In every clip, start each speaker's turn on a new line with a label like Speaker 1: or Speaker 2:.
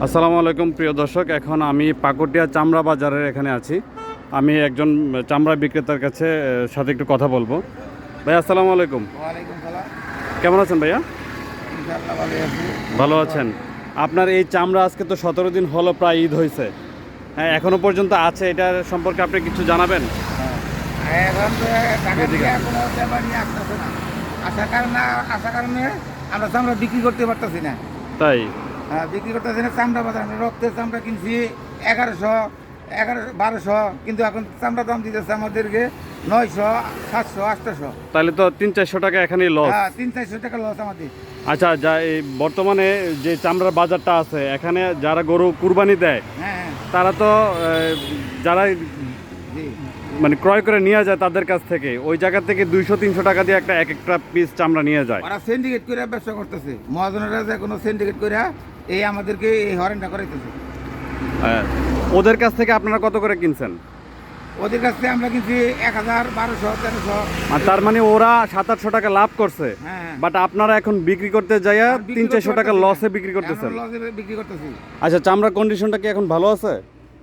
Speaker 1: আসসালামু আলাইকুম প্রিয় দর্শক, এখন আমি পাকুড়িয়া চামড়া বাজারের এখানে আছি। আমি একজন চামড়া বিক্রেতার কাছে সাথে একটু কথা বলবো। ভাই আসসালামু আলাইকুম।
Speaker 2: ওয়ালাইকুম সালাম।
Speaker 1: কেমন আছেন ভাইয়া?
Speaker 2: ইনশাআল্লাহ ভালো আছি।
Speaker 1: ভালো আছেন? আপনার এই চামড়া আজকে তো 17 দিন হলো, প্রায় ঈদ হয়েছে, হ্যাঁ এখনো পর্যন্ত আছে, এটার সম্পর্কে আপনি কিছু জানাবেন?
Speaker 2: এখন তো টাকা দিয়ে কোনো ব্যাপার নিয়ে আসতেছে না। আসার কারণে আমরা চামড়া বিক্রি করতে পারতেছি না।
Speaker 1: তাই
Speaker 2: বিক্রি করতেছি না চামড়া বাজার। রক্তের চামড়া কিনছি 1100, কিন্তু এখন চামড়া দাম দিতেছে আমাদেরকে 900, 700, 800।
Speaker 1: তাহলে তো 300-400 টাকা এখানেই লস।
Speaker 2: 300-400 টাকা লস আমাদের।
Speaker 1: আচ্ছা, যা এই বর্তমানে যে চামড়ার বাজারটা আছে, এখানে যারা গরু কুরবানি দেয়
Speaker 2: হ্যাঁ,
Speaker 1: তারা তো যারা
Speaker 2: জি।
Speaker 1: মানে ক্রয় করে নিয়ে যায় তাদের কাছ থেকে, ওই জায়গা থেকে 200-300 টাকা দিয়ে একটা পিস চামড়া নিয়ে যায়।
Speaker 2: ওরা সিন্ডিকেট করে ব্যবসা করতেছে। মহাজনেরা যে কোনো সিন্ডিকেট করে এই আমাদেরকে এই হরেনটা করাইতেছে।
Speaker 1: হ্যাঁ, ওদের কাছ থেকে আপনারা কত করে কিনছেন?
Speaker 2: ওদের কাছ থেকে আমরা কিনছি 1000, 1200, 1300।
Speaker 1: আর তার মানে ওরা 700-800 টাকা লাভ করছে,
Speaker 2: হ্যাঁ।
Speaker 1: বাট আপনারা এখন বিক্রি করতে যাইয়া 300-400 টাকা লসে বিক্রি করতেছেন।
Speaker 2: লসে বিক্রি করতেছি।
Speaker 1: আচ্ছা, চামড়ার কন্ডিশনটা কি এখন ভালো আছে?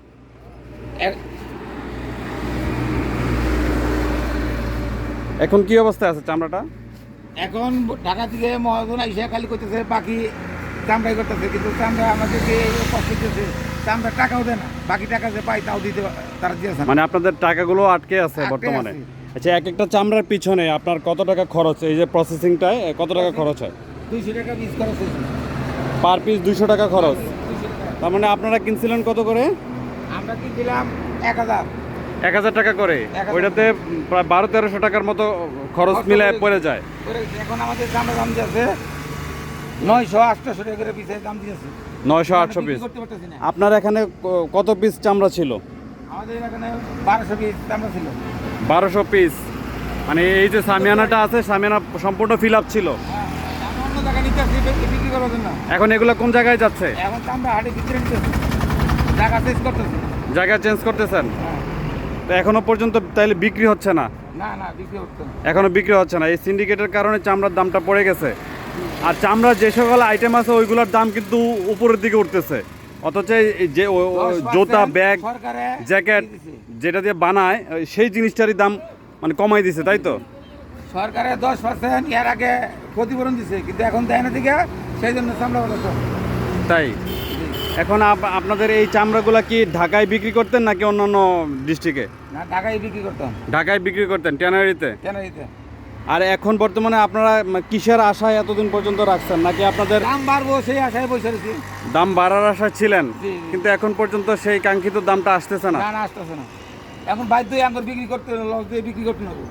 Speaker 1: এখন কি অবস্থায় আছে চামড়াটা?
Speaker 2: এখন ঢাকা থেকে মহাজন আইসা খালি করতেছে, বাকি চামড়াই করতেছে, কিন্তু চামড়া আমাদেরকে কষ্ট দিতেছে। চামড়া টাকাও দেয় না, বাকি টাকা যে পাই তাও দিতে তারা দিয়েছে না।
Speaker 1: মানে আপনাদের টাকাগুলো আটকে আছে
Speaker 2: আটকে
Speaker 1: বর্তমানে?
Speaker 2: আছে।
Speaker 1: আচ্ছা, একটা চামড়ার পিছনে আপনার কত টাকা খরচ, এই যে প্রসেসিংটায় কত টাকা খরচ হয়?
Speaker 2: 200 টাকা পিস খরচ হয়েছে।
Speaker 1: পার পিস 200 টাকা খরচ।
Speaker 2: 200 টাকা।
Speaker 1: তার মানে আপনারা কিনছিলেন কত করে?
Speaker 2: আমরা কিনছিলাম 1000।
Speaker 1: 1000 টাকা করে।
Speaker 2: 1000
Speaker 1: ওইটাতে প্রায় 1200-1300 টাকার মতো খরচ মিলে পড়ে যায়।
Speaker 2: এখন আমাদের চামড়া দাম দিয়েছে 900, 800 টাকা করে পিসের দাম দিয়েছে।
Speaker 1: 900-800 পিস।
Speaker 2: করতে পারতেছি না।
Speaker 1: আপনার এখানে কত পিস চামড়া ছিল?
Speaker 2: আমাদের এখানে 1200 পিস চামড়া ছিল।
Speaker 1: 1200 পিস। মানে এই যে সামিয়ানাটা আছে, সামিয়ানা সম্পূর্ণ ফিল আপ ছিল।
Speaker 2: আমরা অন্য জায়গায় নিতে আসছি বিক্রি করার জন্য।
Speaker 1: এখন এগুলো কোন জায়গায় যাচ্ছে?
Speaker 2: এখন চামড়া হাটে বিক্রি নিতেছি, জায়গা চেঞ্জ করতেছি।
Speaker 1: জায়গা চেঞ্জ করতেছেন? তো এখনো পর্যন্ত তাইলে বিক্রি হচ্ছে না?
Speaker 2: না বিক্রি হচ্ছে না।
Speaker 1: এখনো বিক্রি হচ্ছে না, এই সিন্ডিকেটের কারণে চামড়ার দামটা পড়ে গেছে। আর চামড়ার যে সকল আইটেম আছে ওইগুলোর দাম কিন্তু উপরের দিকে উঠতেছে, অথচ এই যে
Speaker 2: 10%
Speaker 1: জুতা, ব্যাগ,
Speaker 2: সরকারে
Speaker 1: জ্যাকেট
Speaker 2: দিয়েছে।
Speaker 1: যেটা দিয়ে বানায় সেই জিনিসটারই দাম মানে কমাই দিছে, তাই তো?
Speaker 2: সরকারে 10% এর আগে ক্ষতিপূরণ দিছে, কিন্তু এখন দেয় না দিকে, সেই জন্য চামড়া বলা তো।
Speaker 1: তাই এখন আপনাদের এই চামড়াগুলা কি ঢাকায় বিক্রি করতেন নাকি অন্যান্য ডিস্ট্রিক্টে?
Speaker 2: না, ঢাকায় বিক্রি করতাম।
Speaker 1: ঢাকায় বিক্রি করতেন, ট্যানারিতে।
Speaker 2: কেন দিতে?
Speaker 1: আর এখন বর্তমানে আপনারা কিসের আশায় এতদিন পর্যন্ত রাখছেন, নাকি আপনাদের
Speaker 2: দাম বাড়বো সেই আশায় বসে রয়েছি।
Speaker 1: দাম বাড়ার আশায় ছিলেন,
Speaker 2: জি।
Speaker 1: কিন্তু এখন পর্যন্ত সেই কাঙ্ক্ষিত দামটা আসতেছে না?
Speaker 2: না আসতেছে না। এখন বাধ্যই আমার বিক্রি করতে, লস দিয়ে বিক্রি করতে হবে।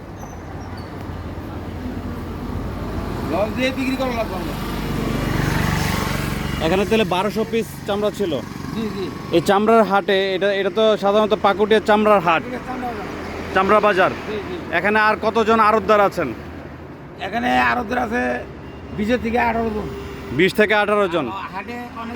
Speaker 2: লস দিয়ে বিক্রি করা লাগবে আমরা।
Speaker 1: এখানে তাহলে 1200 পিস চামড়া ছিল।
Speaker 2: জি।
Speaker 1: এই চামড়ার হাটে, এটা তো সাধারণত পাকুড়িয়া চামড়ার হাট,
Speaker 2: চামড়া বাজার।
Speaker 1: চামড়া বাজার।
Speaker 2: জি।
Speaker 1: এখানে আর কতজন আড়তদার আছেন?
Speaker 2: এখানে আরবদের আছে 20 থেকে 18 জন।
Speaker 1: 20 থেকে 18 জন।
Speaker 2: হাটে অনেক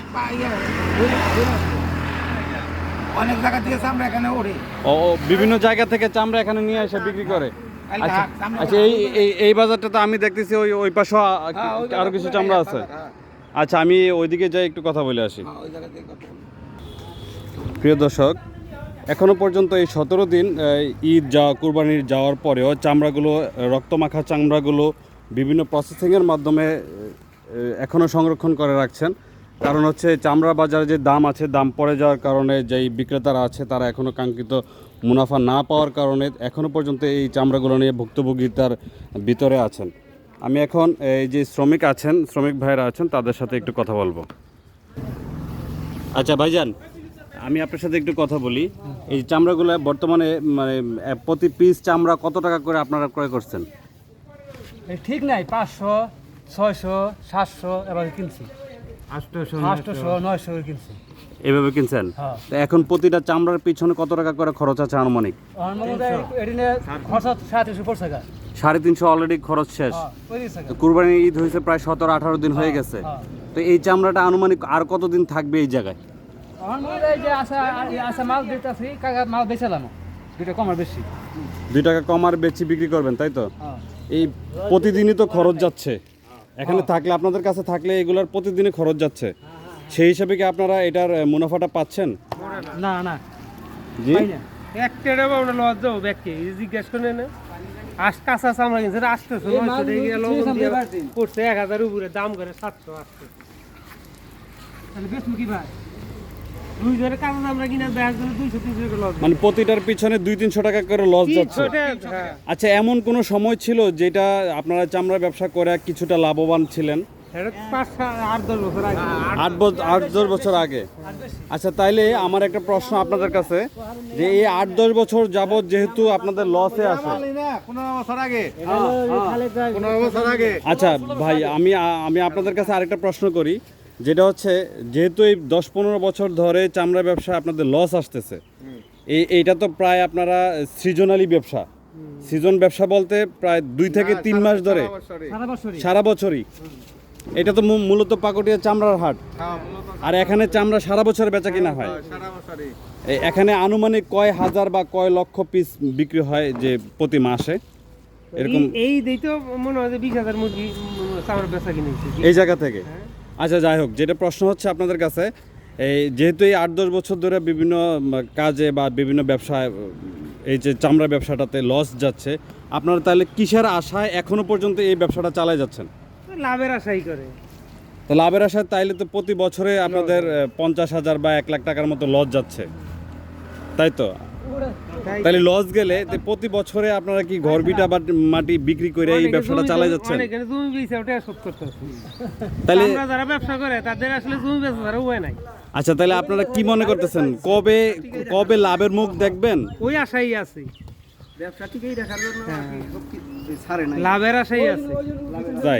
Speaker 2: অনেক জায়গা থেকে চামড়া এখানে ওঠে।
Speaker 1: ও বিভিন্ন জায়গা থেকে চামড়া এখানে নিয়ে এসে বিক্রি করে।
Speaker 2: কালকে
Speaker 1: আচ্ছা
Speaker 2: হাট, চামড়া
Speaker 1: আচ্ছা, এই বাজারটা তো আমি দেখতেছি ওই পাশে আরো কিছু চামড়া আছে। আচ্ছা, আমি ওইদিকে যাই, একটু কথা বলে আসি।
Speaker 2: ওই জায়গা থেকে কথা বলি।
Speaker 1: প্রিয় দর্শক, এখনও পর্যন্ত এই 17 দিন ঈদ কুরবানির যাওয়ার পরেও চামড়াগুলো, রক্তমাখা চামড়াগুলো বিভিন্ন প্রসেসিংয়ের মাধ্যমে এখনও সংরক্ষণ করে রাখছেন। কারণ হচ্ছে চামড়া বাজারে যে দাম আছে, দাম পড়ে যাওয়ার কারণে যেই বিক্রেতারা আছে তারা এখনও কাঙ্ক্ষিত মুনাফা না পাওয়ার কারণে এখনও পর্যন্ত এই চামড়াগুলো নিয়ে ভুক্তভোগিতার ভিতরে আছেন। আমি এখন এই যে শ্রমিক ভাইয়েরা আছেন তাদের সাথে একটু কথা বলবো। আচ্ছা ভাইজান, আমি আপনার সাথে একটু কথা বলি। এই চামড়াগুলো বর্তমানে মানে প্রতি পিস চামড়া কত টাকা করে আপনারা ক্রয় করছেন?
Speaker 3: ঠিক নাই, 500, 600, 700 এবার কিনছি, 800, 900 কিনছি।
Speaker 1: এভাবে কিনছেন?
Speaker 3: হ্যাঁ।
Speaker 1: তো এখন প্রতিটা চামড়ার পিছনে কত টাকা করে খরচ আছে আনুমানিক?
Speaker 3: এদিনে খরচ 350 পড়ছে গা।
Speaker 1: 350 অলরেডি খরচ শেষ। তো কুরবানির ঈদ হয়েছে প্রায় 17-18 দিন হয়ে গেছে। তো এই চামড়াটা আনুমানিক আর কতদিন থাকবে এই জায়গায়?
Speaker 3: যে আশা মাল দিতেছি, কাকা মাল বেচালাম 2 টাকা কম আর বেশি।
Speaker 1: 2 টাকা কম আর বেশি বিক্রি করবেন, তাই তো? এই প্রতিদিনই তো খরচ যাচ্ছে এখানে থাকলে, আপনাদের কাছে থাকলে এগুলোর প্রতিদিনই খরচ যাচ্ছে। সেই হিসাবে কি আপনারা এটার মুনাফাটা পাচ্ছেন?
Speaker 3: না না
Speaker 1: জি
Speaker 3: পাই না।
Speaker 4: একটা বা ওটা লজ যাবো ব্যাগকে জিজ্ঞেস করে না কাঁচা চামড়া কিনছে আসতেছে
Speaker 3: এই মাল লবণ দিয়ে
Speaker 4: পড়ছে 1000 উপরে দাম করে 700 আসছে
Speaker 3: তাহলে বেশ মুখী ভাই
Speaker 4: 2000 কাঁচা চামড়া কিনা ব্যাগ জন্য 200-300 করে লজ
Speaker 1: মানে প্রতিটার পিছনে 200-300 টাকা করে লস যাচ্ছে। আচ্ছা, এমন কোনো সময় ছিল যেটা আপনারা চামড়া ব্যবসা করে কিছুটা লাভবান ছিলেন?
Speaker 4: 5-8-10 বছর আগে
Speaker 1: 8-10 বছর আগে। আচ্ছা, তাইলে আমার একটা প্রশ্ন আপনাদের কাছে, যে এই 8-10 বছর যাবত যেহেতু আপনাদের লসে আছে,
Speaker 2: 15 বছর আগে
Speaker 1: আচ্ছা ভাই, আমি আপনাদের কাছে আরেকটা প্রশ্ন করি, যেটা হচ্ছে যেহেতু এই 10-15 বছর ধরে চামড়া ব্যবসা আপনাদের লস আসতেছে, এইটা তো প্রায় আপনারা সৃজনালি ব্যবসা, সিজন ব্যবসা বলতে প্রায় 2 থেকে 3 মাস ধরে
Speaker 3: সারা বছরই
Speaker 1: সারা বছরই, এটা তো মূলত পাকুড়িয়া চামড়ার হাট, আর এখানে চামড়া সারা বছর বেচা কিনা হয়। এখানে আনুমানিক কয় হাজার বা কয় লক্ষ পিস বিক্রি হয় যে প্রতি মাসে এরকম
Speaker 4: এই দেই তো মনে হয় যে 20000 মুরগি চামড়া বেচা কিনেছি
Speaker 1: এই জায়গা থেকে? আচ্ছা, যাই হোক, যেটা প্রশ্ন হচ্ছে আপনাদের কাছে, এই যেহেতু এই 8-10 বছর ধরে বিভিন্ন কাজে বা বিভিন্ন ব্যবসায় এই যে চামড়া ব্যবসাটাতে লস যাচ্ছে, আপনারা তাহলে কিসের আশায় এখনো পর্যন্ত এই ব্যবসাটা চালায় যাচ্ছেন?
Speaker 4: লাভের আশাই করে।
Speaker 1: তো লাভের আশায় তাইলে তো প্রতি বছরে আপনাদের 50,000 বা 1 লাখ টাকার মতো লস যাচ্ছে, তাই তো? তাহলে লস গেলে তো প্রতি বছরে আপনারা কি ঘর বিটা বা মাটি বিক্রি করে এই ব্যবসাটা চালায় যাচ্ছেন?
Speaker 4: অনেকে জমি বেচে ওটা শোধ করতে হচ্ছে।
Speaker 1: তাহলে
Speaker 4: আমরা যারা ব্যবসা করে তাদের আসলে জমি বেচা ছাড়া উপায় নাই।
Speaker 1: আচ্ছা, তাহলে আপনারা কি মনে করতেছেন, কবে লাভের মুখ দেখবেন?
Speaker 4: ওই আশাই আছে,
Speaker 2: ব্যবসা ঠিকই দেখার জন্য ছাড়ে না,
Speaker 4: লাভের আশাই আছে।
Speaker 1: তাই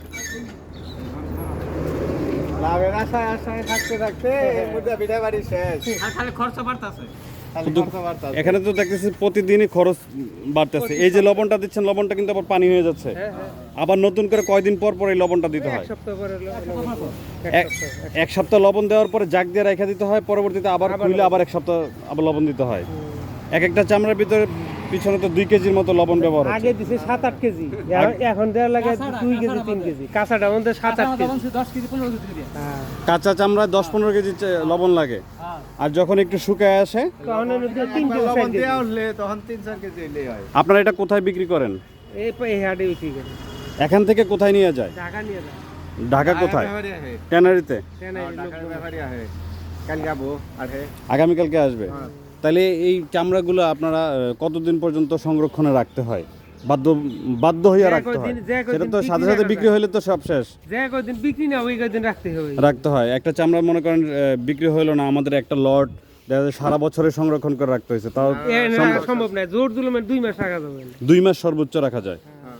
Speaker 2: লাভের আশায় আশায় থাকতে থাকতে বিদায় বাড়ি শেষ,
Speaker 3: আর খালি খরচ বাড়তাছে।
Speaker 1: এখানে তো দেখতেছি প্রতিদিনই খরচ বাড়তেছে। এই যে লবণটা দিচ্ছেন, লবণটা কিন্তু আবার পানি হয়ে যাচ্ছে, আবার নতুন করে কয়দিন পর পর এই লবণটা দিতে হয়?
Speaker 4: এক সপ্তাহ পরে
Speaker 1: এক সপ্তাহ লবণ দেওয়ার পরে জাগ দিয়ে রেখে দিতে হয়, পরবর্তীতে আবার খুলে আবার 1 সপ্তাহ আবার লবণ দিতে হয়। এক একটা চামড়ার ভিতরে পিছনে তো 2 কেজির মতো লবণ ব্যবহার হচ্ছে।
Speaker 4: আগে দিছে 7-8 কেজি, এখন দেওয়া লাগে 2 কেজি 3 কেজি। কাঁচাটা আমাদের 7-8 কেজি।
Speaker 3: 10 কেজি 15 কেজি দিয়ে।
Speaker 4: হ্যাঁ,
Speaker 1: কাঁচা চামড়ায় 10-15 কেজি লবণ লাগে, আর যখন একটু শুকায় আসে
Speaker 4: তখন 3 কেজি 4 কেজি।
Speaker 2: তখন 3-4 কেজি এলেই হয়।
Speaker 1: আপনারা এটা কোথায় বিক্রি করেন?
Speaker 4: এই হাটে বিক্রি করে
Speaker 1: এখান থেকে কোথায় নিয়ে যায়?
Speaker 4: ঢাকা নিয়ে যায়।
Speaker 1: ঢাকা কোথায়? ট্যানারিতে।
Speaker 2: ব্যাপারী আহে কাল যাবো আহে
Speaker 1: আগামীকালকে আসবে। তাহলে এই চামড়াগুলো আপনারা কতদিন পর্যন্ত সংরক্ষণে রাখতে হয়? বাধ্য হইয়া রাখতে হয়, সেটা তো সাথে সাথে বিক্রি হইলে তো সব শেষ।
Speaker 4: যে কদিন বিক্রি না ওই কদিন
Speaker 1: রাখতে হয়। একটা চামড়া মনে করেন বিক্রি হইলো না, আমাদের একটা লট দেখা যায় সারা বছরের সংরক্ষণ করে রাখতে হয়েছে, তাও
Speaker 4: সম্ভব না। জোর জুলুমের 2 মাস রাখা যাবে না।
Speaker 1: 2 মাস সর্বোচ্চ রাখা যায়।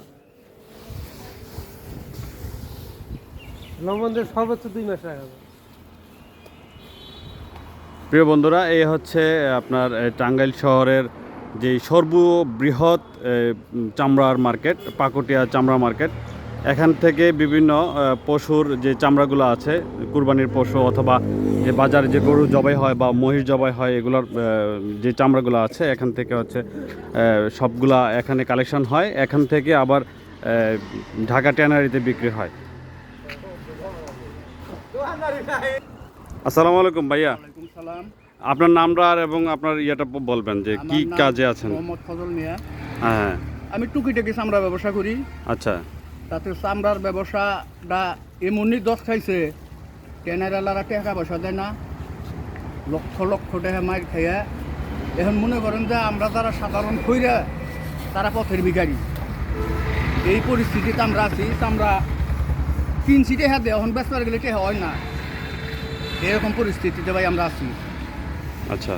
Speaker 4: লবণ দিয়ে সর্বোচ্চ 2 মাস রাখা যাবে।
Speaker 1: প্রিয় বন্ধুরা, এই হচ্ছে আপনার টাঙ্গাইল শহরের যে সর্ববৃহৎ চামড়ার মার্কেট, পাকুটিয়া চামড়া মার্কেট। এখান থেকে বিভিন্ন পশুর যে চামড়াগুলো আছে, কুরবানির পশু অথবা যে বাজারে যে গরু জবাই হয় বা মহিষ জবাই হয়, এগুলোর যে চামড়াগুলো আছে এখান থেকে হচ্ছে সবগুলা এখানে কালেকশন হয়, এখান থেকে আবার ঢাকা ট্যানারিতে বিক্রি হয়। আসসালামু আলাইকুম ভাইয়া।
Speaker 2: সালাম।
Speaker 1: আপনার নামটা আর এবং আপনার ইয়েটা বলবেন যে কি কাজে আছেন?
Speaker 2: মোহাম্মদ ফজল মিয়া।
Speaker 1: হ্যাঁ,
Speaker 2: আমি টুকিটাকি চামড়া ব্যবসা করি।
Speaker 1: আচ্ছা।
Speaker 2: তাতে চামড়ার ব্যবসাটা এমনই দশ খাইছে, ট্যানারালারা টাকা পয়সা দেয় না, লক্ষ লক্ষ টাকা মার খাইয়া। এখন মনে করেন যে আমরা যারা সাধারণ খইরা তারা পথের ভিখারি, এই পরিস্থিতিতে আমরা আছি। চামড়া কিনছি টেহা দেয়, এখন বেচবার গেলে টেহা হয় না, এরকম পরিস্থিতিতে ভাই আমরা আছি।
Speaker 1: আচ্ছা।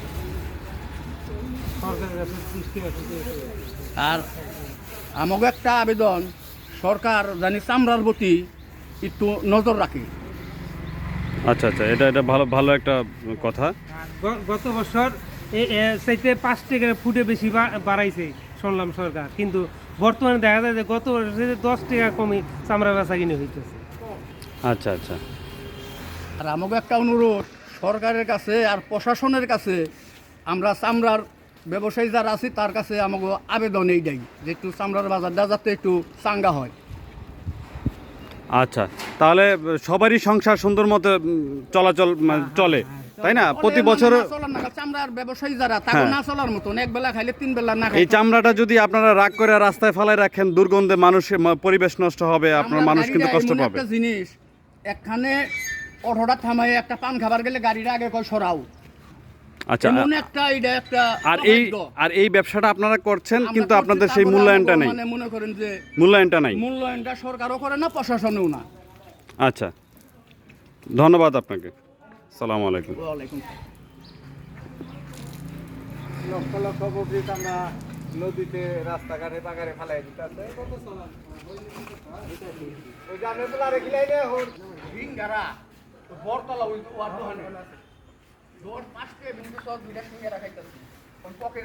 Speaker 2: আর আমাকে একটা আবেদন, সরকার জানি চামড়ার প্রতি একটু নজর রাখে।
Speaker 1: আচ্ছা আচ্ছা, এটা ভালো একটা কথা।
Speaker 4: গত বছর চাইতে 5 টাকা ফুটে বেশি বাড়াইছে শুনলাম সরকার, কিন্তু বর্তমানে দেখা যায় যে গত বছর 10 টাকা কমে চামড়া বেচা কিনে হইতেছে।
Speaker 1: আচ্ছা আচ্ছা।
Speaker 2: আর আমাকে একটা অনুরোধ সরকারের কাছে আর প্রশাসনের কাছে, আমরা চামড়ার ব্যবসায়ী যারা আছি তার কাছে আমাকে আবেদন এই দেয় যে একটু চামড়ার বাজারটা যাতে একটু চাঙ্গা হয়।
Speaker 1: আচ্ছা, তাহলে সবারই সংসার সুন্দর মতো চলাচল চলে, তাই না? প্রতি বছর
Speaker 2: চলার না চামড়ার ব্যবসায়ী যারা তাকে
Speaker 1: হ্যাঁ।
Speaker 2: না চলার মতন এক বেলা খাইলে 3 বেলা না
Speaker 1: এই চামড়াটা যদি আপনারা রাগ করে রাস্তায় ফেলায় রাখেন, দুর্গন্ধে মানুষের পরিবেশ নষ্ট হবে, আপনার মানুষ কিন্তু কষ্ট পাবে।
Speaker 2: একটা জিনিস একখানে অটোটা থামাই একটা পান খাবার গেলে গাড়িটা আগে কই সরাও।
Speaker 1: আচ্ছা,
Speaker 2: এমন একটা এটা একটা
Speaker 1: আর এই ব্যবসাটা আপনারা করছেন,
Speaker 2: আমরা
Speaker 1: কিন্তু
Speaker 2: করছি,
Speaker 1: আপনাদের সেই
Speaker 2: তারপরে
Speaker 1: মূল্যায়নটা
Speaker 2: আমরা
Speaker 1: নেই।
Speaker 2: মানে মনে করেন যে
Speaker 1: মূল্যায়নটা নাই।
Speaker 2: মূল্যায়নটা সরকারও করে না, প্রশাসনেও না।
Speaker 1: আচ্ছা, ধন্যবাদ আপনাকে। সালাম আলাইকুম।
Speaker 2: ওয়ালাইকুম
Speaker 5: লক্ষ লক্ষ পব্লিক আমরা নদীতে রাস্তাঘাটে বাগারে ফেলাই দিতে ওই যে আমরা বলে আরেক লাইনে
Speaker 2: ভিঙ্গারা বরতলা ওই ওয়ার্ড দোকানে 10 5 কে বিন্দু সব দুইটা সঙ্গে রাখাইতাছি।